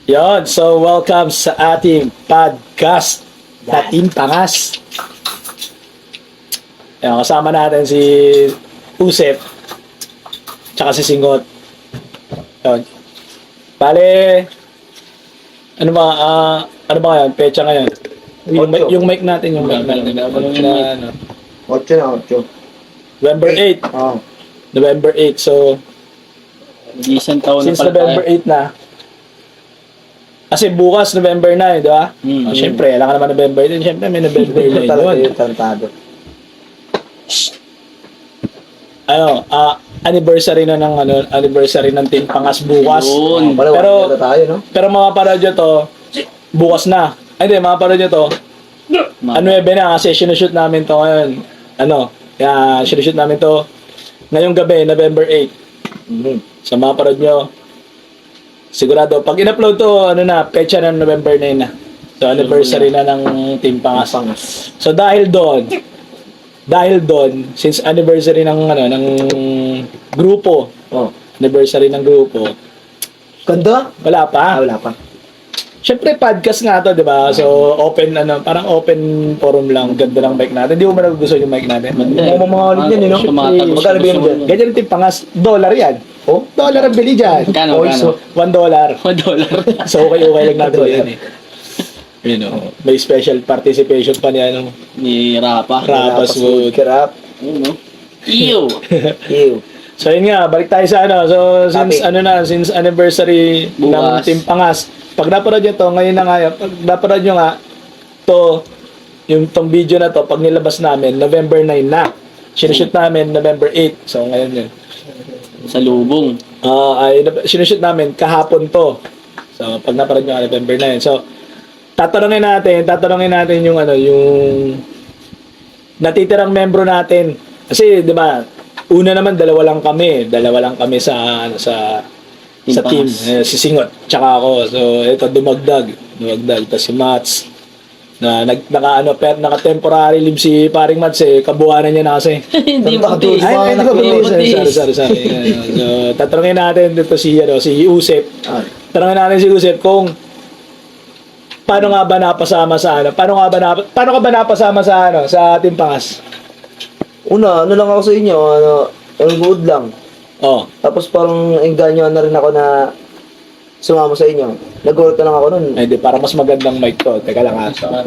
Yon, so welcome sa ating podcast na Team Pangas. Yan, kasama natin si Usep tsaka si Singot. Yon. Bale, ano ba ngayon? Pecha ngayon. Yung mic natin, yung mic natin. Ano, 8 na, 8. November 8. Oo. November 8. So, Isang taon na since pala November 8 na, kasi bukas November 9, di ba? Siyempre, alam ka naman November 8. Siyempre, may November 9 Talaga yun. yung tantado. Anniversary na ng anniversary ng Team Pangas bukas. Yun. Wala, Pero- wala tayo, no? Pero mapapanood nyo to bukas na. Ay, hindi, mapapanood nyo to. Ano na kasi sinushoot namin to ngayon. Sinushoot namin to ngayong gabi, November 8. So mapapanood nyo. Sigurado, pag in-upload to, pecha ng November 9 na. So anniversary na ng Team Pangas. So dahil doon, since anniversary ng grupo, Oh. anniversary ng grupo, Ganda? wala pa. Wala pa. Siyempre, podcast nga to, di ba? So, parang open forum lang. Ganda ng mic natin. Hindi mo ba nagugustuhan yung mic natin? Mga ulit yan, no? Tumatagos. Magkano ba yun dyan? Ganyan yung Team Pangas. $1 yan. Oh, $1 ang bili dyan. Magkano, Oh, magkano? so, $1. $1. So, okay lang natin yan eh. You know, may special participation pa niya, Ni Rapa. Rapas Wood. Kirap. Yun, no? Ew! Ew. So, yun nga, balik tayo sa So, since Topic. since anniversary ng Bukas. Team Pangas, pag napanood nyo to, ngayon na nga, pag napanood nyo nga, tong video na to, pag nilabas namin, November 9 na. Sinushoot namin November 8. So, ngayon yun. Sa lubong. Sinushoot namin kahapon to. So, pag napanood nyo, November 9. So, tatanungin natin yung natitirang membro natin. Kasi, di ba, una naman, dalawa lang kami sa team. Pangas. Si Singot, tsaka ako. So, ito, dumagdag. Tapos si Mats, naka-temporary leave si paring Mats kabuhanan niya na kasi. Hindi Ang butis. Ay, hindi ko Butis. Sorry. So, tatanungin natin dito si Usep. Ah. Tanungin natin si Usep kung paano nga ba napasama sa paano ka ba napasama sa Team Pangas? Una, lang ako sa inyo, ang good lang. Oh. Tapos parang engganyo na rin ako na sumama sa inyo. Nag-work na lang ako nun. Ay, di, para mas magandang mic to. Teka lang ha.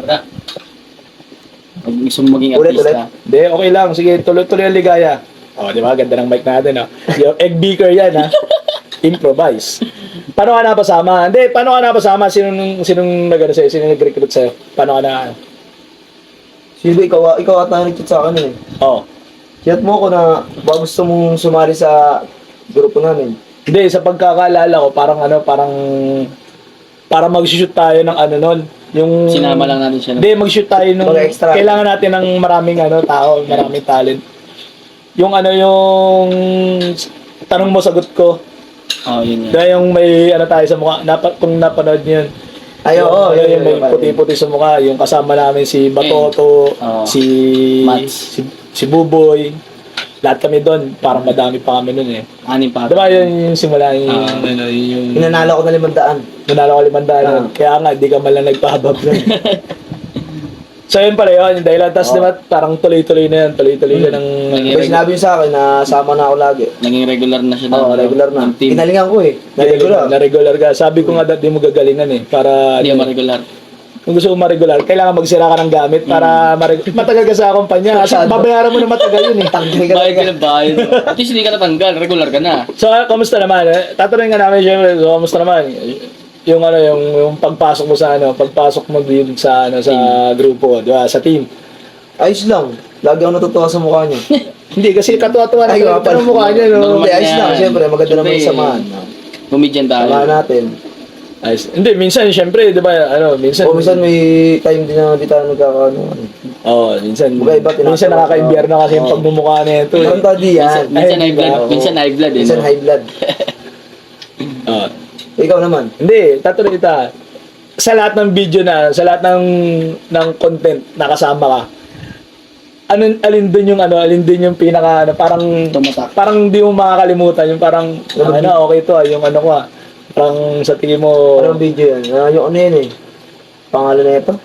Pag gusto mo maging Ulit. artista. Hindi, okay lang. Sige, tuloy ang ligaya. Oh, di ba? Ganda ng mic natin, ha? Yung egg beaker yan, ha? Improvise. Paano ka napasama? Hindi, paano ka napasama? Sinong sa'yo? Sinong nag-recruit sa'yo? Paano ka na? Sino, ikaw at nag-chat sa akin eh. Oh. Chat mo ako na ba gusto mong sumali sa grupo namin. Hindi, sa pagkakaalala ko, parang mag-shoot tayo ng nun. Yung... Sinama lang natin siya. Hindi, mag-shoot tayo nung... Mga extra. Kailangan natin ng maraming tao, maraming talent. Yung tanong mo, sagot ko. Oh, yun yan. Dahil yung may tayo sa mukha, kung napanood niyo yun. Ay, oo. Yung may puti-puti sa mukha, yung kasama namin si Batoto, Oo. si Mats. si Buboy. Lahat kami doon, parang madami pa kami noon eh. Anim pa. Diba yun yung simula, yung Inanalo ko na 500. nanalo ko 500. Kaya nga, di ka malang nagpahabab nun. So yun pala yun, yung dahilan. Tapos diba, parang tuloy-tuloy na yan, tuloy-tuloy na ng... Pero sinabi niyo sa akin na sama na ako lagi. Naging regular na siya. Oo, regular na. ng team. Kinalingan ko eh. Na regular. Na regular ka. Sabi ko nga dati mo gagalingan eh. Para Hindi mo regular. kung gusto mo ma-regular, kailangan magsira ka ng gamit para matagal ka sa kumpanya. Kasi babayaran mo na matagal yun eh. Tanggal ka Bayad ka talaga. ng bayad. At least hindi ka natanggal. Regular ka na. So, kamusta naman? Tatanungin nga namin syempre, so, kamusta naman? Yung pagpasok mo pagpasok mo din sa grupo, di ba? Sa team. Ayos lang. Lagi ako natutuwa sa mukha niya. Hindi, kasi katuwa-tuwa na Ay, yung parang mukha niya, no? Hindi, ayos lang. yan. Siyempre, maganda naman yung Siyempre, samahan. Comedian tayo. Samahan natin. Ayos. Hindi, minsan, syempre, di ba, minsan... O minsan may time din na di tayo nagkakaano. minsan, Magkaiba, tinatawag minsan nakaka-imbierno kasi yung Oo. pagmumukha na ito. Ang tadi yan. Minsan high blood. Oo. Minsan high blood. Minsan high blood. Oh. Ikaw naman. Hindi, tatanungin kita. Sa lahat ng video sa lahat ng content na kasama ka, alin din yung pinaka parang Tumatak. parang hindi mo makakalimutan yung parang okay to yung ko Parang sa tingin mo, Anong video yan? Yung ano yan eh. Pangalan na ito?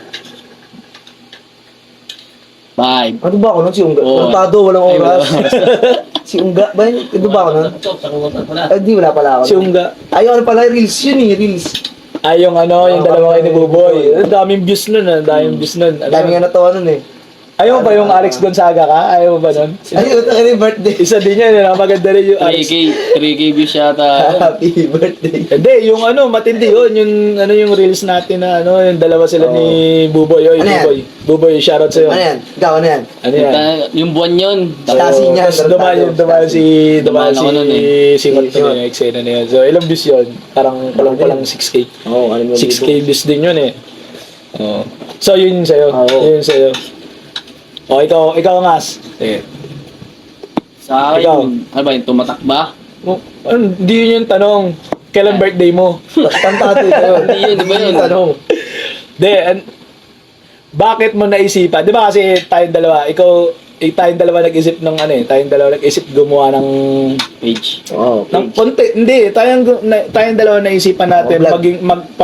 5. Ano ba ako nun? Si Unga. Oo. Kontado, walang Ay, oras. wala. Si Unga ba yun? Ito ba ako nun? Ay, di wala pala ako. si Unga. Ay, yung ano pala, Reels yun eh, Reels. Ay, yung ano, yung Oo, dalawa kayo ni parang- Buboy. Ang daming views nun, ang daming views nun. Ano? Dami nga natawa nun eh. Ayaw mo ba yung Alex Gonzaga ka? Ayaw mo ba nun? Ay, ito ka yung birthday. Isa din yan, maganda rin yung Alex. 3K views yata. Happy birthday. Hindi, yung ano, matindi yun, yung reels natin na ano, yung dalawa sila Oo. ni Buboy. Oy, Ano yan? Buboy. Buboy, shoutout sa'yo. Ano yan? Ikaw, ano yan? Ano yan? Yung buwan yun. Stasi niya, Tapos dumaan Stasi. si Dumaan ako nun eh. Singot Si na yung eksena na yun. So, ilang views yun? Parang palang 6K. Oo, ano mo 6K views din yun eh. Oo. So, yun sa'yo. Oo. Yun sa'yo. O, ikaw Ngas. Sige. Sa akin, Ikaw. ano ba yun, tumatak ba? Hindi yun yung tanong. Kailan birthday mo? Tantado ito. Hindi yun, di ba yun? Tanong. Di, bakit mo naisipan? Di ba kasi tayong dalawa nag-isip ng ano eh, tayong dalawa nag-isip gumawa ng Page. Oo. ng content. Hindi, tayong dalawa naisipan natin Mag-vlog. maging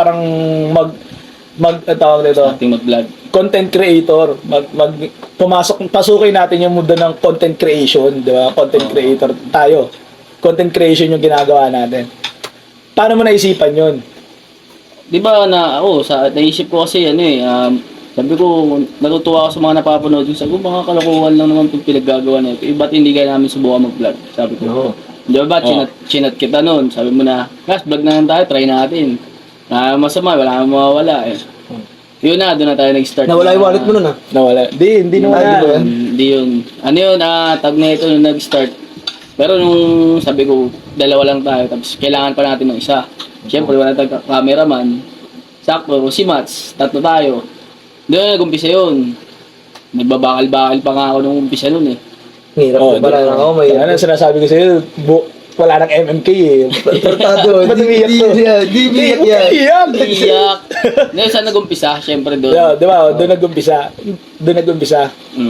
tawag nito, Ating mag-vlog. content creator. Pasukin natin yung mundo ng content creation, di ba? Content creator tayo. Content creation yung ginagawa natin. Paano mo naisipan yun? Di ba naisip ko kasi sabi ko, natutuwa ako sa mga napapanood ko. Sabi ko, mga kalokohan lang naman itong pinaggagawa na ito. Ba't hindi kaya namin subukan mag-vlog? Sabi ko. Oo. Di ba chinat kita noon? Sabi mo na, guys, vlog na lang tayo, try natin. Masama, wala nang mawawala eh. Yun na, doon na tayo nag-start. Nawala yung wallet mo nun ah. Nawala. Hindi Ay, di ba nawala. yan? Hindi yun. Ano yun, tag na ito nung nag-start. Pero nung sabi ko, dalawa lang tayo, tapos kailangan pa natin ng isa. Siyempre, wala tayong cameraman. Sakto, si Mats, tatlo tayo. Doon nag-umpisa yun. Nagbabakal-bakal pa nga ako nung umpisa nun eh. Hirap Oh, na pala di- na ako. May Ano sinasabi ko sa'yo, wala nang MMK eh. Tantado. Ba't umiiyak to? Di biyak yan. Iyak! Iyak! Ngayon saan nag-umpisa? Siyempre doon. Yeah, di ba? Doon nag-umpisa.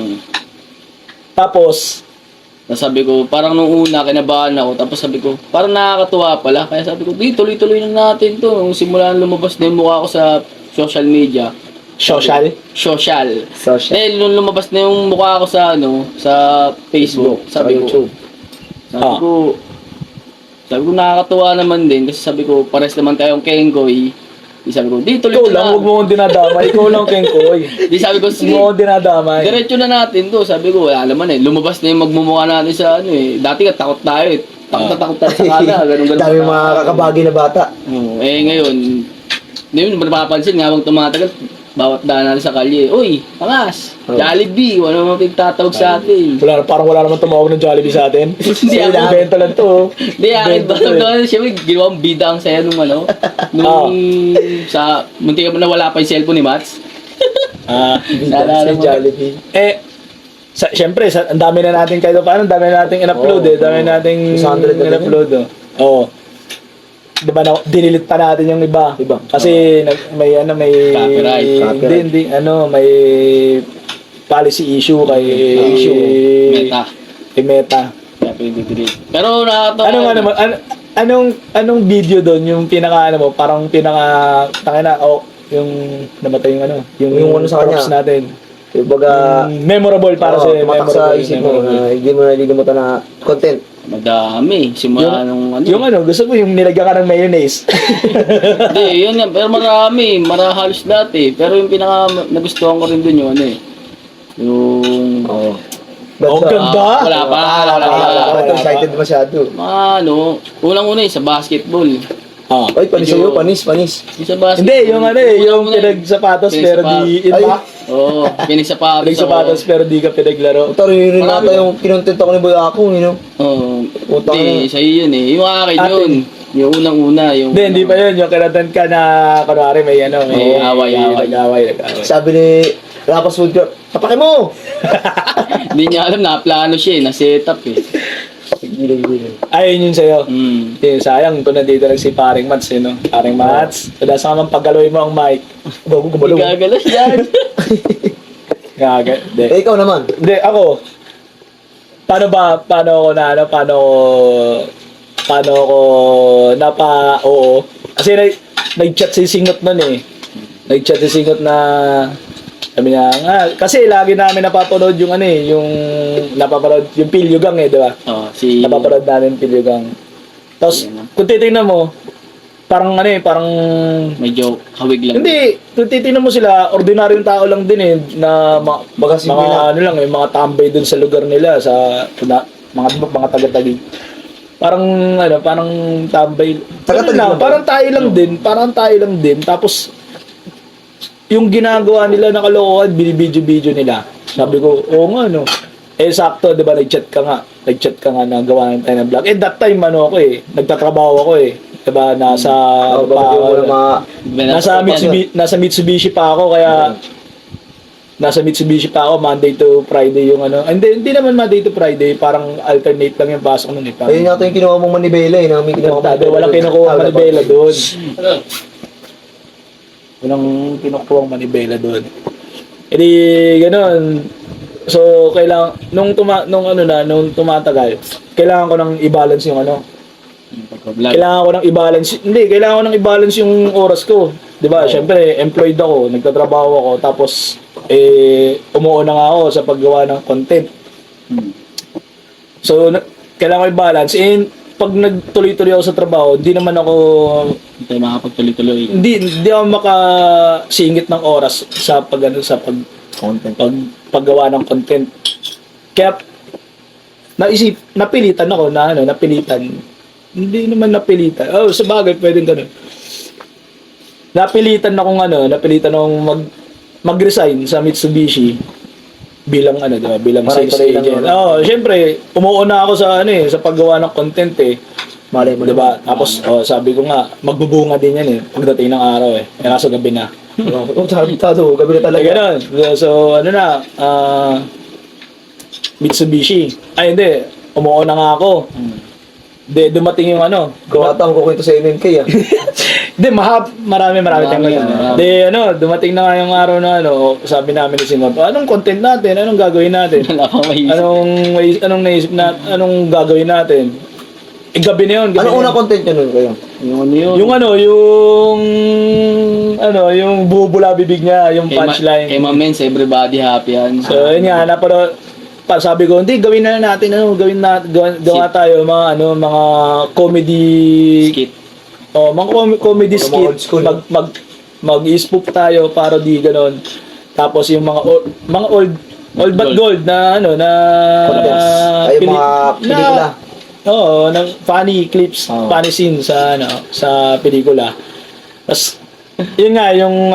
Tapos, Sabi ko, parang nung una, kinabahan ako. Tapos sabi ko, parang nakakatuwa pala. Kaya sabi ko, di, tuloy-tuloy na natin to. Nung simulan lumabas na yung mukha ko sa social media. social. Social. Social. Eh, nung lumabas na yung mukha ko sa sa Facebook, sabi ko, YouTube. sabi ko nakakatuwa naman din kasi sabi ko pares naman tayong Kengoy. Di sabi ko, di tuloy Ikaw na. lang, huwag mo akong dinadamay. Ikaw lang, Kenkoy. Di sabi ko, Huwag sige, mo akong dinadamay. diretso na natin to. Sabi ko, wala naman eh. Lumabas na yung magmumukha natin sa ano eh. Dati ka takot tayo eh. Takot na takot tayo sa kala. Ganun. Dami mga kakabagi na bata. Ngayon, hindi mo napapansin nga habang tumatagal, bawat daan natin sa kalye, uy, pangas, Oh. Jollibee, wala naman pagtatawag sa atin. Parang wala naman tumawag ng Jollibee sa atin. Hindi ako. Invento lang to. Hindi, akin ba? Doon, siyempre, ginawang bida ang saya nung ano, nung munti ka pa na wala pa yung cellphone ni Mats. Naalala Si mo? Jollibee. Siyempre, ang dami na natin kahit paano, ang dami na nating in-upload Oo, eh. Dami na nating 600 na in-upload oh. Oo. Diba dinilit pa natin yung iba. Iba. Kasi may Copyright. Hindi, may policy issue kay Meta. Kay Meta. Kaya pinag-delete. Pero nakakatawa. Anong video doon yung parang yung namatay yung Yung ano sa kanya. corpse natin. Kumbaga, Memorable para sa tumatak sa isip mo na hindi mo nalilimutan na content. Madami. Simula nung ano. Yung gusto mo yung nilagyan ka ng mayonnaise. Hindi, yun yan. Pero marami. Halos dati. Pero yung pinaka nagustuhan ko rin dun yung ano eh. Yung... Oo. Oh, ganda! Wala pa. Excited masyado. Unang-una sa basketball. Ay, panis sa'yo, panis. Yung sa basketball. Hindi, yung yung pinagsapatos pero di Oo, pinagsapatos pinagsapatos pero di ka pinaglaro. Ito rin nata yung kinontent ako ni Boy Ako, Oo. Utang Hindi, sa'yo yun eh. Yung akin Atin. yun. Yung unang-una. Hindi pa yun. Yung kinatan ka na, kunwari may may away. Nag-away. Sabi ni Rapas Woodcraft, tapake mo! Hindi niya alam na plano siya eh. Na-setup eh. Ayun yun sa'yo. Mm. Sayang, kung nandito lang si Paring Mats, Paring Mats, wala sa kamang pagaloy mo ang mic. Bago Hindi gumalo. gagalas yan. Hindi. Ikaw naman. Hindi, ako. Paano ako paano ako oo. Kasi nag-chat si Singot nun eh. Nag-chat si Singot na sabi niya, kasi lagi namin napapanood yung yung napapanood yung Pilyugang di ba? Si... Napapanood namin Pilyugang. Tapos, kung titingnan mo, parang parang... Medyo hawig lang. Hindi, kung titingnan mo sila, ordinaryong tao lang din na mga lang, mga tambay dun sa lugar nila, sa mga taga-tagig. Parang parang tambay. Parang tayo lang din. Tapos yung ginagawa nila na kalokohan, binibidyo-video nila. Sabi ko, oo nga sakto, 'di ba, nag-chat ka nga na gawa tayo ng vlog. That time nagtatrabaho ako 'di ba, nasa Mitsubishi pa ako, kaya nasa Mitsubishi pa ako Monday to Friday yung hindi naman Monday to Friday, parang alternate lang yung pasok nun Ayun yata yung kinuha mong manibela walang kinukuha manibela doon. Walang kinukuha manibela doon. Edi ganoon. So nung tumatagal, kailangan ko nang i-balance yung Kailangan ko nang i-balance yung oras ko. 'Di ba? Siyempre, employed ako, nagtatrabaho ako, tapos umuuna nga ako sa paggawa ng content. So, kailangan ko i-balance. Pag nagtuloy-tuloy ako sa trabaho, hindi naman ako makapagtuloy-tuloy. Hindi ako makasingit ng oras sa paggawa ng content. Kaya napilitan ako Hindi naman napilitan. Sa bagay pwedeng ganun. Napilitan akong mag-resign sa Mitsubishi bilang bilang sales agent. Syempre, umuuna ako sa sa paggawa ng content Malay mo, 'di ba? Tapos sabi ko nga, magbubunga din yan pagdating ng araw kaso gabi na. Gabi na talaga. Ganun. So Mitsubishi. Ay hindi, umuuna nga ako. Dumating yung Gawata ko kwento sa NNK Hindi, marami tayong dumating na nga yung araw na sabi namin ni Sinot, anong content natin? Anong gagawin natin? Wala pang maisip. Anong naisip natin? Anong gagawin natin? Gabi na yun. Anong unang content nyo nun kayo? Yung bubula bibig niya, yung punchline. Kay Mamens, everybody happy yan. So, yun nga, sabi ko, hindi, gawin na natin, gawa tayo, mga comedy Skit. Mga comedy Mga skit, old school. mag-spoof tayo, parody, ganon. Tapos yung mga old but gold na Ay, mga pelikula. ng funny clips, funny scene sa pelikula. Tapos yun nga yung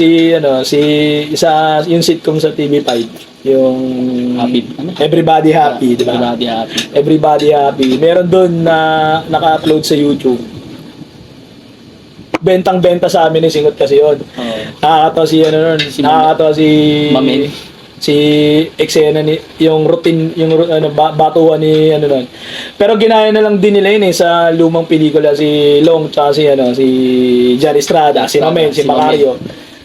yung sitcom sa TV5, yung Everybody Happy, di ba? Everybody Happy. Meron doon na naka-upload sa YouTube. Bentang-benta sa amin ni Singot kasi yun. Nakakatawa nakakatawa si Mamen. Si eksena yung routine, batuhan ni nun. Pero ginaya na lang din nila yun sa lumang pelikula, si Long tsaka si Jerry Estrada, si Mamen, si Macario.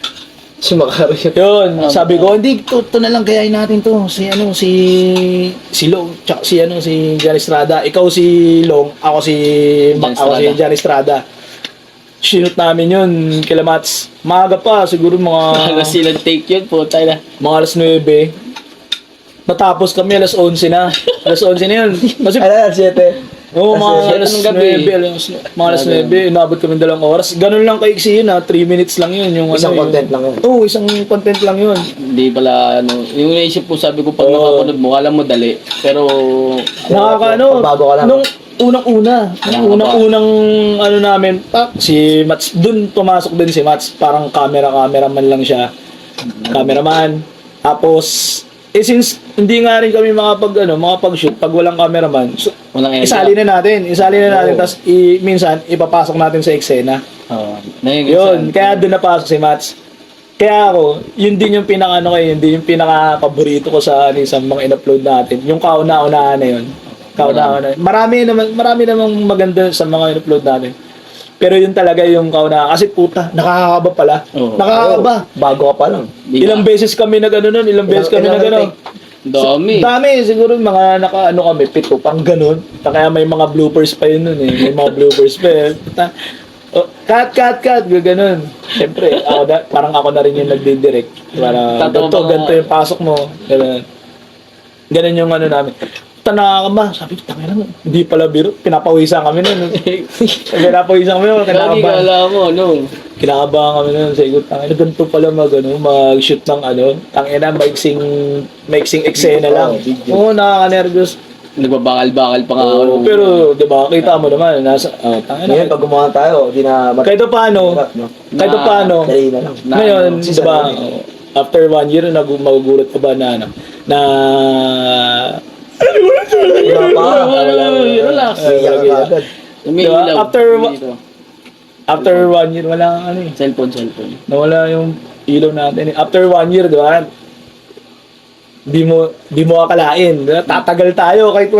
Yun, sabi ko, hindi, to na lang kayain natin to. Si Long, tsaka si Jerry Estrada. Ikaw si Long, ako si Jerry Estrada. Sinut namin yun, kila Mats. Maaga pa, siguro mga... Alas silang take yun po, tayo na. Mga alas 9. Natapos kami, alas 11 na. Alas 11 na yun. Kasi, Alas 7. Oo, mga alas 9. Mga alas 9, inabot kami 2 oras. Ganun lang kaiksi yun 3 minutes lang yun. Isang content lang yun. Oo, isang content lang yun. Hindi pala, yung naisip po, sabi ko, pag nakapanood mo, alam mo dali. Pero, Bago ka lang. Nung unang namin, si Mats, dun pumasok din si Mats, parang cameraman lang siya. Cameraman. Tapos, since hindi nga rin kami makapag-shoot pag walang cameraman, so, isali na natin. Tapos minsan ipapasok natin sa eksena. Yun, kaya doon napasok si Mats. Kaya ako, yun din yung yun din yung pinaka-paborito ko sa mga in-upload natin. Yung kauna-unahan na yun. Marami namang maganda sa mga in-upload natin. Pero yun talaga yung kauna. Kasi puta, nakakakaba pala. Nakakakaba. Bago ka pa lang. Ilang beses kami na gano'n nun. Dami. Dami, siguro mga naka-ano kami, 7, pang ganun. Kaya may mga bloopers pa yun nun eh. May mga bloopers pa eh. Oh, cut, gano'n. Siyempre, parang ako na rin yung nagdi-direct. Para, Tatawa ganito, ba nga? ganito yung pasok mo. Ganun yung ano namin. Nakakaba. Sabi ko, tangina mo, hindi pala biro. Pinapawisan kami nun. Pinapawisan kami nun. Lagi Kinakabahan. kala mo, ano? Kinakabahan kami nun. Sabi ko, tangina, ganito pala mag-shoot ng tangina, maiksing eksena lang. Oo, nakaka-nervous. Nagbabakal-bakal pa nga ako. Oo, pero, di ba, kita mo naman, tangina. Ngayon, pag gumawa tayo, di na... Kahit paano, no? kahit paano, Dali na lang. ngayon, ano, di ba, after 1 year, magugulat ka ba na, Relax. Iyak ka agad. Umiilaw. Diba? After 1 year, wala kang ano eh. Cellphone. Nawala yung ilaw natin. After 1 year, di ba? Di mo akalain. Tatagal tayo kahit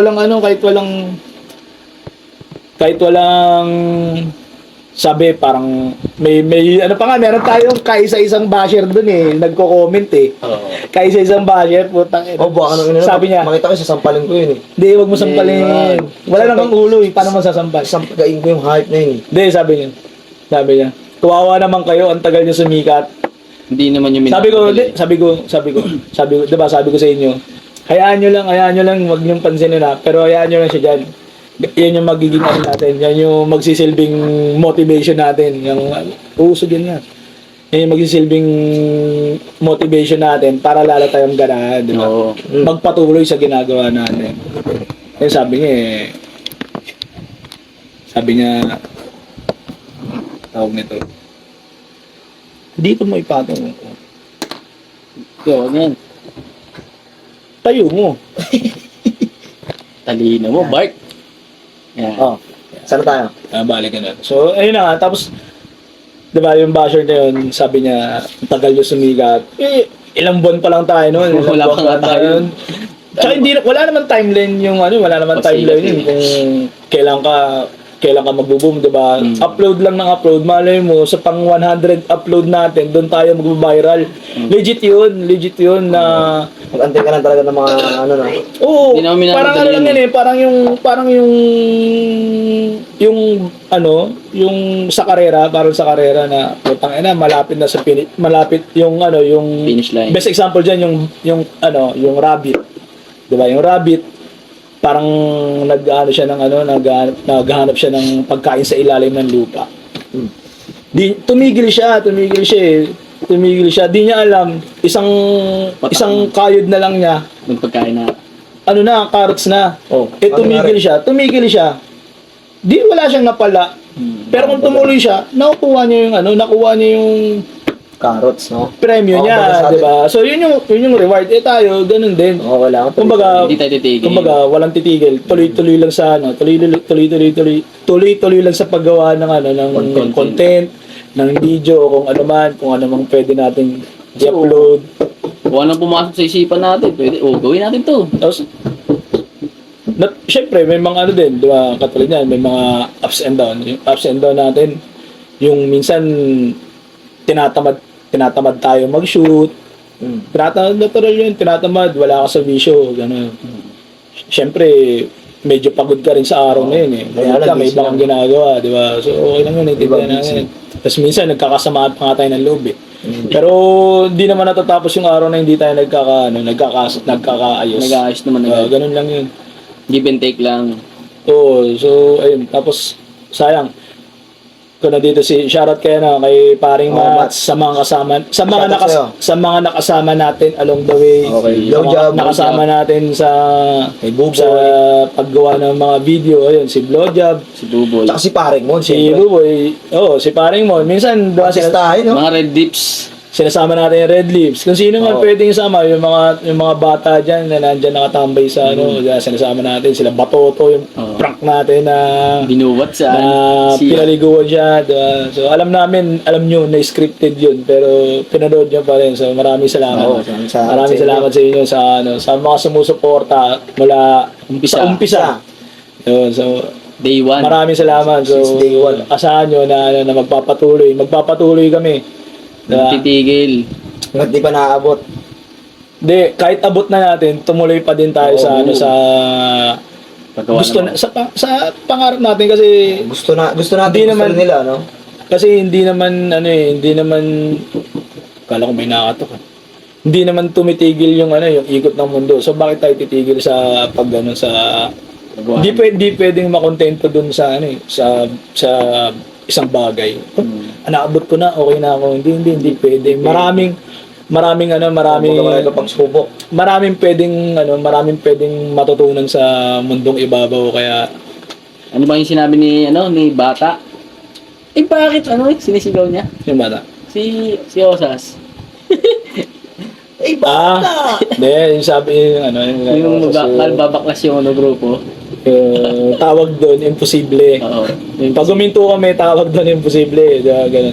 walang sabi parang may meron tayong kaisa-isang basher dun eh, nagko-comment eh. Oo. Kaisa-isang basher, putang ina. Oh, baka nung Sabi niya, makita ko, sasampalin ko yun eh. hindi, wag mo sampalin. Wala namang ulo eh, paano mo sasampal? Sampagain ko yung hype na yun eh. Hindi, sabi niya, kawawa naman kayo, ang tagal niyo sumikat. Hindi naman yung Sabi ko, diba, sabi ko sa inyo, hayaan nyo lang, wag niyong pansinin na, pero hayaan nyo lang siya dyan. Yan yung magiging ano natin, yan yung magsisilbing motivation natin, yung uusog yan nga. Yan yung magsisilbing motivation natin para lalo tayong ganahan, di ba? Oo. Magpatuloy sa ginagawa natin. Kaya sabi niya, tawag nito, dito mo ipatong. Yo, yan. Tayo mo. Talino mo, Bart. Yan. Oh, sana tayo. Balik ka na. So, ayun na nga. Tapos, di ba yung basher na yun, sabi niya, ang tagal yung sumigat. Ilang buwan pa lang tayo noon. Wala pa nga tayo. Tsaka wala naman timeline yung wala naman timeline yun kung kailan ka magbo-boom, di ba? Upload lang ng upload. Malay mo, sa pang 100 upload natin, doon tayo mag-viral. Legit yun na... Mag-antay ka lang talaga ng mga na. Oo, Hindi namin parang minamahal lang yun yun eh, yung sa karera, parang sa karera na putang ina, malapit na sa malapit yung yung Finish line. best example diyan yung rabbit. 'Di ba? Yung rabbit parang naghahanap siya ng pagkain sa ilalim ng lupa. Tumigil siya eh. Di niya alam, isang kayod na lang niya, Magpagkain na. carrots na. Oh, Tumigil siya. Di wala siyang napala. Pero kung tumuloy siya, nakuha niya yung Carrots, no? premyo Oo, niya, baga sabi- 'di ba? So yun yung reward. Tayo, ganun din. Oo, wala akong Kumbaga, Hindi tayo titigil. walang titigil. Tuloy-tuloy lang sa tuloy-tuloy lang sa paggawa ng content, ng video, kung ano mang pwede nating i-upload. Kung anong pumasok sa isipan natin, pwede, gawin natin to. Tapos, syempre, may mga din, di ba, katulad yan, may mga ups and down. Yung ups and down natin, yung minsan, tinatamad tayo mag-shoot. Natural yun, tinatamad, wala ka sa visyo, gano'n. Syempre, medyo pagod ka rin sa araw na yun eh. Kaya Pagod ka, lang, may busy ibang lang. ginagawa, di ba? So, okay lang yun, naintindihan Ibang natin. Tapos minsan, nagkakasamaan pa nga tayo ng loob eh. Pero, di naman natatapos yung araw na hindi tayo nagkakaayos. Nag-aayos naman agad. Ganun lang yun. Give and take lang. Oo, so, ayun. Tapos, sayang. Kung nandito shoutout kayo kay paring Mats, sa mga kasama, Shoutout sa'yo. sa mga nakasama natin along the way. Okay. Sa mga Blowjob, nakasama natin sa Buboy. sa paggawa ng mga video, ayun, si Blowjob, Si Duboy. Tsaka si Paring Mon, si siyempre. Buboy, si paring mo. Minsan, diba, Artistahin, no? Mga red dips. sinasama natin yung Red Lips. Kung sino man Oo. pwedeng isama, yung mga bata dyan na nandyan nakatambay sa sinasama natin, sila Batoto, yung Oo. prank natin na Binuwat na saan. pinaliguan siya. Diba? So alam nyo na scripted yun, pero pinanood nyo pa rin. So maraming salamat. Oo, Maraming salamat sa inyo sa mga sumusuporta mula Umpisa. sa umpisa. Yun, so Day 1. maraming salamat. So Since day one. asahan nyo na magpapatuloy kami. Diba? Titigil. Hanggat di pa naaabot. Di, kahit abot na natin, tumuloy pa din tayo sa Oo. ano sa Paggawa gusto naman. na sa pangarap natin kasi Gusto natin, Hindi gusto naman- nila, no? kasi hindi naman ano eh, hindi naman kala ko may nakatok. Hindi naman tumitigil yung ano, yung ikot ng mundo. So bakit tayo titigil sa pag ano, sa Paggawa hindi pwedeng makontento dun sa ano eh, sa isang bagay. Naabot ko na, okay na ako. Hindi pwede. Maraming Kumbaga ito pagsubok. maraming pwedeng matutunan sa mundong ibabaw kaya Ano ba yung sinabi ni Bata? Eh bakit sinisigaw niya? yung bata. Si Osas. Eh, Hindi, yung sabi Yung babaklas yung grupo. tawag doon, imposible. Oo. Pag guminto kami, tawag doon, imposible. Diba, ganun.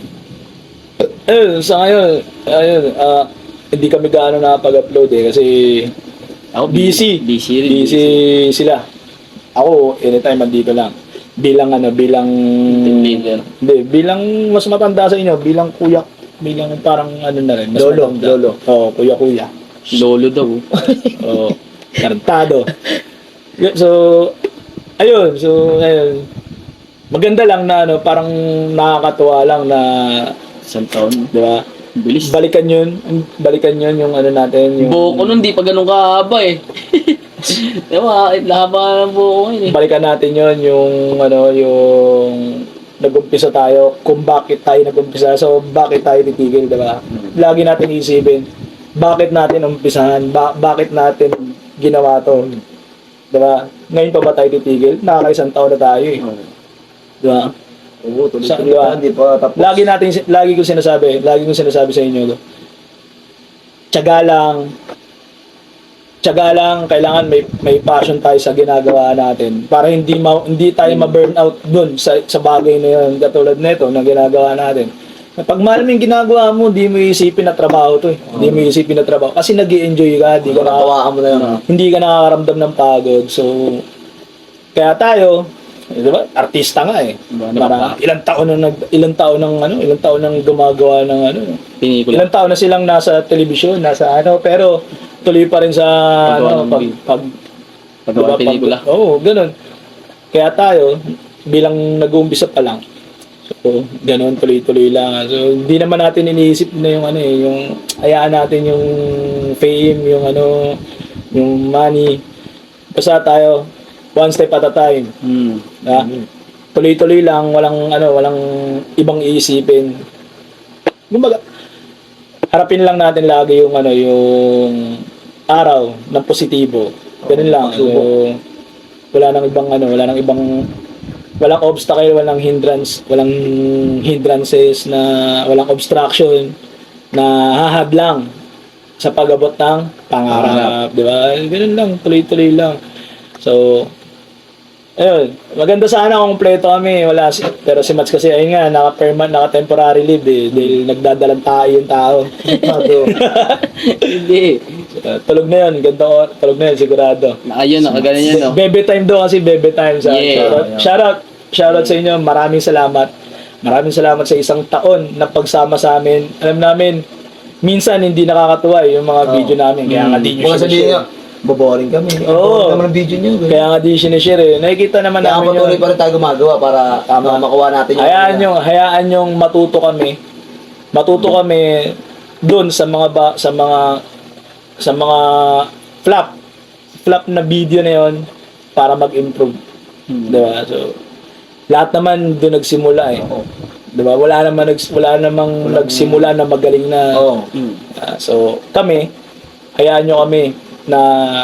Sa ngayon, hindi kami gaano nakapag-upload eh, kasi Ako busy. Busy rin. Busy sila. Ako, anytime andito lang. Bilang Team leader. hindi, bilang mas matanda sa inyo, bilang kuya, bilang parang na rin, mas Lolo, matanda. lolo. Oo, kuya. Lolo daw. Oo, tarantado. So, ayun, maganda lang na parang nakakatuwa lang na, Isang taon. di ba? Bilis. Balikan yun yung natin, yung Buhok ko nun, di pa ganun kahaba eh. Diba, haba ng buhok ko yun eh. balikan natin yun yung nag-umpisa tayo, kung bakit tayo nag-umpisa, so bakit tayo titigil, diba? Lagi natin isipin, bakit natin umpisahan, bakit natin ginawa to, diba? Ngayon pa ba tayo titigil? Nakakaisang taon na tayo eh, diba? Oo, tuloy-tuloy Sa- pa, hindi pa tapos. Lagi kong sinasabi sa inyo, tiyaga lang, kailangan may passion tayo sa ginagawa natin para hindi tayo ma-burn out dun sa bagay na yun, katulad nito na ginagawa natin. Pag mahal mo yung ginagawa mo, hindi mo isipin na trabaho to eh. Hindi mo isipin na trabaho kasi nag-i-enjoy ka, Tawaan mo na lang. hindi ka nakakaramdam ng pagod. So kaya tayo, di ba? Artista nga eh. Para ilang taon nang gumagawa ng Pinikula. ilang taon na silang nasa telebisyon, pero tuloy pa rin sa Paggawa ng Paggawa ng pelikula. Oo, ganun. Kaya tayo bilang nag-uumpisa pa lang. So, ganun tuloy-tuloy lang. So, hindi naman natin iniisip na yung hayaan natin yung fame, yung money. Basta tayo one step at a time. Ha? Tuloy-tuloy lang, walang ibang iisipin. Kumbaga, harapin lang natin lagi yung araw ng positibo. Ganun lang. So, walang obstacle, walang hindrances walang obstruction na hahadlang sa pag-abot ng pangarap, di ba? Ganun lang, tuloy-tuloy lang. So, ayun, maganda sana kung kompleto kami, pero si Mats kasi ayun nga, naka-temporary leave dahil nagdadalang tayo yung tao. Hindi. Tulog na yun, tulog na yun, sigurado. Ayun, nakaganan yun, no? Bebe time daw kasi, bebe time. Yeah. Shoutout sa inyo, maraming salamat. Maraming salamat sa isang taon na pagsama sa amin. Alam namin, minsan hindi nakakatuwa yung mga video namin, kaya nga di nyo Mga sabihin sinishare. nga, boboring kami. Oo. Boboring naman ang video nyo. Kaya nga di sinishare eh. Nakikita naman Kaya namin patuloy yun. pa rin tayo gumagawa para makuha natin yung Hayaan yung matuto kami. Matuto kami doon sa mga flop na video na yon para mag-improve. Diba? So, lahat naman doon nagsimula eh. Diba? Wala namang nagsimula na magaling na. Oo. So, hayaan nyo kami na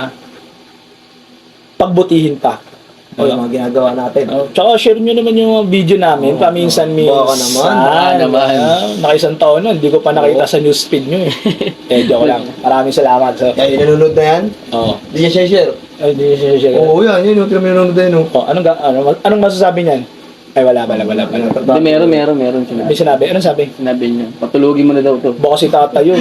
pagbutihin pa. Yung mga ginagawa natin. Tsaka share nyo naman yung mga video namin. Paminsan-minsan. Baka naman. Baka naman. Nakaisang taon na, hindi ko pa nakita sa newsfeed nyo eh. Joke lang. Maraming salamat. So, Kaya nanonood na yan, oh. hindi niya share. Ay, hindi siya share. Oo, yan. Yun yung nanonood na yun. Oh, anong masasabi niyan? Ay, wala. Hindi, meron sinabi. May sinabi. Anong sabi? Sinabi niya, patulugin mo na daw to. Baka si tata yun.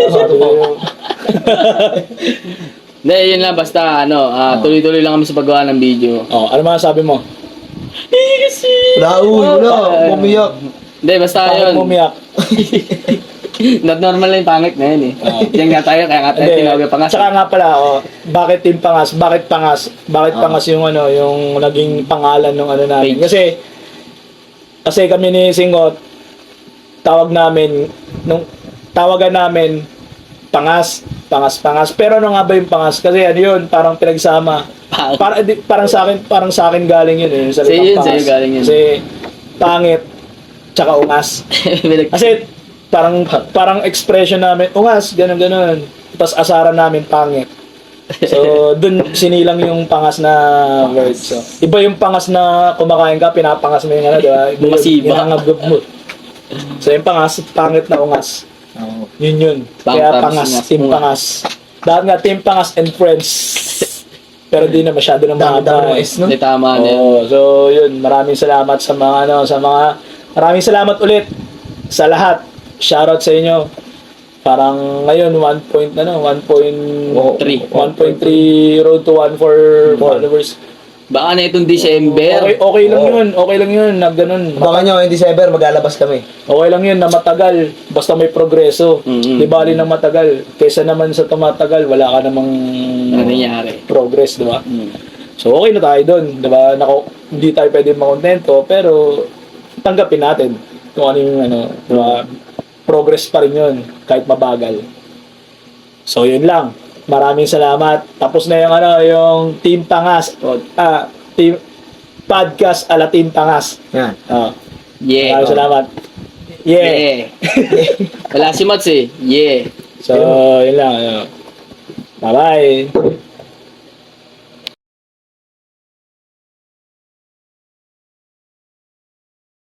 Hindi, yun lang, basta, tuloy-tuloy lang kami sa paggawa ng video. Oh, ano masasabi mo? Kasi... Wala, wala. Umiyak. Hindi, basta Bakit yun. mo umiyak? Not normal na yung pangit na yun eh. Diyan nga tayo, kaya nga tayo Hindi. tinawag yung pangas. Tsaka nga pala, bakit Team Pangas? Bakit Pangas? Bakit Pangas yung yung naging pangalan ng ano namin? Page. Kasi kami ni Singot, tawagan namin Pangas. Pero ano nga ba yung Pangas? Kasi ano yun, parang pinagsama. Parang sa akin galing yun eh. Yung Sa'yo salitang yun, Pangas. sa'yo galing yun. Kasi pangit, tsaka ungas. Kasi parang expression namin, ungas, ganun. Tapos asaran namin, pangit. So, dun sinilang yung pangas na word. So, iba yung pangas na kumakain ka, pinapangas mo yung ano, diba? Iba Masiba. yung hangagab mo. So, yung pangas, pangit na ungas. Yun. Kaya Tapos pangas, ungas, team ungas. pangas. Dahil nga, team pangas and friends. Pero di na masyado na mahaba. Dami-dami no? Hindi tama na yun. Oo, so yun, maraming salamat sa mga maraming salamat ulit sa lahat. Shoutout sa inyo. Parang ngayon 1.3 road to 1 for followers. Baka na itong December. Okay lang yun na ganun. Baka nyo, in December, maglalabas kami. Okay lang yun na matagal basta may progreso. Mhm. Di bali na matagal. Kaysa naman sa tumatagal, wala ka namang Ano nangyari? progress, di ba? Hmm. So okay na tayo doon, 'di ba? Hindi tayo pwedeng makontento, pero tanggapin natin kung ano yung 'di ba? Progress pa rin 'yun kahit mabagal. So 'yun lang. Maraming salamat. Tapos na yung yung Team Pangas, team podcast ala Team Pangas. Yan. Yeah. Maraming salamat. Yeah. Yeah. Wala si Mats eh. Yeah. So, yun lang. Bye-bye.